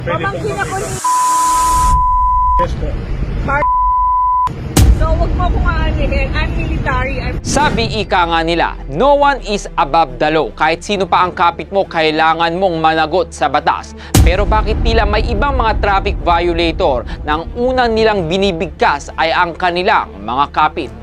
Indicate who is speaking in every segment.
Speaker 1: Pamangkin ako ni
Speaker 2: Yes po.
Speaker 1: So, wag mo akong aanihin. I'm military.
Speaker 3: Sabi ika nga nila, no one is above the law. Kahit sino pa ang kapit mo, kailangan mong managot sa batas. Pero bakit tila may ibang mga traffic violator na ang unang nilang binibigkas ay ang kanilang mga kapit?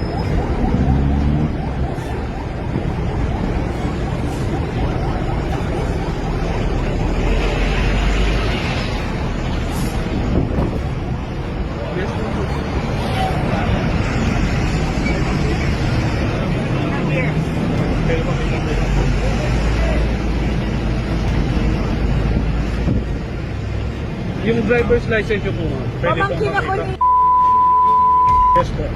Speaker 2: Yung driver's license nyo po, ma'am.
Speaker 1: Pamangkin ako ni
Speaker 2: Yes po.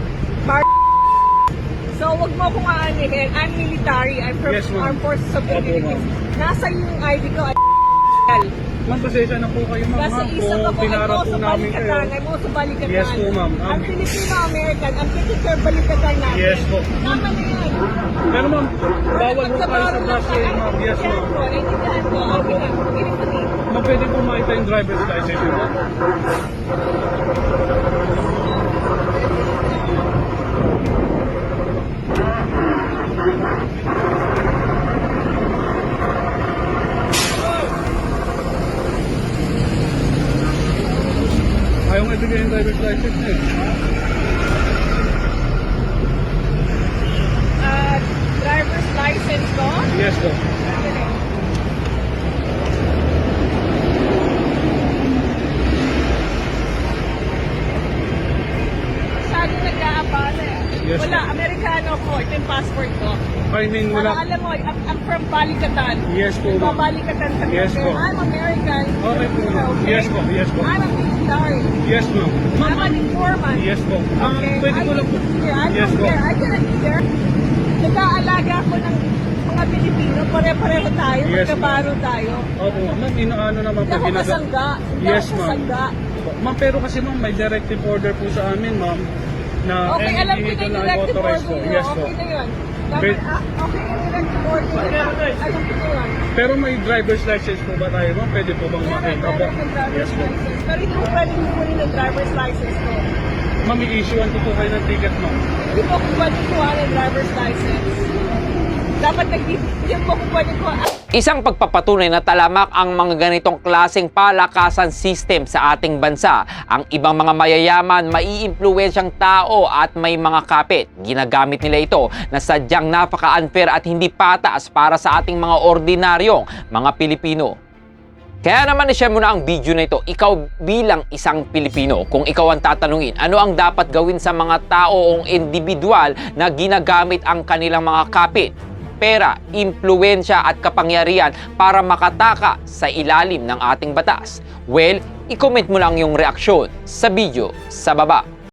Speaker 1: So, wag mo akong aanihin. I'm military. I'm from
Speaker 2: Yes, ma'am.
Speaker 1: Armed Forces of the
Speaker 2: Opo,
Speaker 1: Philippines.
Speaker 2: ma'am.
Speaker 1: Nasa yung ID ko ay
Speaker 2: Ma'am, pasensya na po kayo, ma'am.
Speaker 1: Nasa isa ka po ay
Speaker 2: Pinarap
Speaker 1: mo
Speaker 2: po
Speaker 1: sa
Speaker 2: namin kayo.
Speaker 1: balikatan. Ay mo sa balikatan.
Speaker 2: Yes po, ma'am.
Speaker 1: Ang Filipino-American, ang Pilipino balikatan natin.
Speaker 2: Yes po.
Speaker 1: Tama na yan.
Speaker 2: Pero ma'am, bawal po kayo sa brush lane, ma'am. Yes, ma'am.
Speaker 1: Naintindihan ko. Okay na. Kinig ko din.
Speaker 2: Ma'am, pwede po makita yung driver's license nyo, ma'am. Ayaw nga ibigay yung driver's license niya eh.
Speaker 1: Driver's license ko.
Speaker 2: Yes po.
Speaker 1: Masyado nag-aabala eh.
Speaker 2: Yes,
Speaker 1: Wala,
Speaker 2: ma'am.
Speaker 1: Amerikano ko. Ito yung passport ko.
Speaker 2: I mean,
Speaker 1: Para
Speaker 2: wala.
Speaker 1: alam mo, I'm from Balikatan.
Speaker 2: Yes po, ma'am.
Speaker 1: Balikatan kami.
Speaker 2: Yes po.
Speaker 1: I'm American.
Speaker 2: Okay po, ma'am.
Speaker 1: Okay?
Speaker 2: Yes po, yes po.
Speaker 1: I'm a military.
Speaker 2: Yes, ma'am.
Speaker 1: I'm an informant.
Speaker 2: Yes po. Ma'am,
Speaker 1: Okay?
Speaker 2: pwede ko lang po.
Speaker 1: I
Speaker 2: Yes
Speaker 1: don't
Speaker 2: po.
Speaker 1: care. I cannot be there. Nag-aalaga ako ng mga Pilipino. Pare-pareho tayo.
Speaker 2: Yes,
Speaker 1: Magkabaro tayo.
Speaker 2: Opo, ma'am, inaano naman
Speaker 1: Hindi
Speaker 2: po
Speaker 1: ako
Speaker 2: ginagawa.
Speaker 1: kasangga. Hindi
Speaker 2: Yes,
Speaker 1: ako
Speaker 2: ma'am.
Speaker 1: kasangga.
Speaker 2: Ma'am, pero kasi ma'am, may directive order po sa amin, ma'am, na
Speaker 1: Okay, alam ko na
Speaker 2: vehicle
Speaker 1: yung
Speaker 2: na
Speaker 1: directive
Speaker 2: authorized
Speaker 1: order
Speaker 2: po.
Speaker 1: nyo.
Speaker 2: Yes po.
Speaker 1: Okay na yun. Dapat,
Speaker 2: But-
Speaker 1: okay, yung directive order nyo. Alam ko na yun.
Speaker 2: Pero may driver's license po ba tayo, ma'am? Pwede po bang
Speaker 1: Meron,
Speaker 2: makita po?
Speaker 1: meron ng driver's
Speaker 2: Yes po.
Speaker 1: license. Pero hindi ko pwede kukunin ng driver's license ko.
Speaker 2: Ma'am, i-issuean ko po kayo ng ticket, ma'am.
Speaker 1: Hindi ko pwede kuha ng driver's license. Dapat hindi ko pwede kuha.
Speaker 3: Isang pagpapatunay na talamak ang mga ganitong klaseng palakasan system sa ating bansa. Ang ibang mga mayayaman, maiimpluwensyang tao at may mga kapit. Ginagamit nila ito na sadyang napaka-unfair at hindi patas para sa ating mga ordinaryong mga Pilipino. Kaya naman i-share mo na ang video na ito, ikaw bilang isang Pilipino. Kung ikaw ang tatanungin, ano ang dapat gawin sa mga tao o individual na ginagamit ang kanilang mga kapit, pera, impluwensya at kapangyarihan para makataka sa ilalim ng ating batas? Well, i-comment mo lang yung reaksyon sa video sa baba.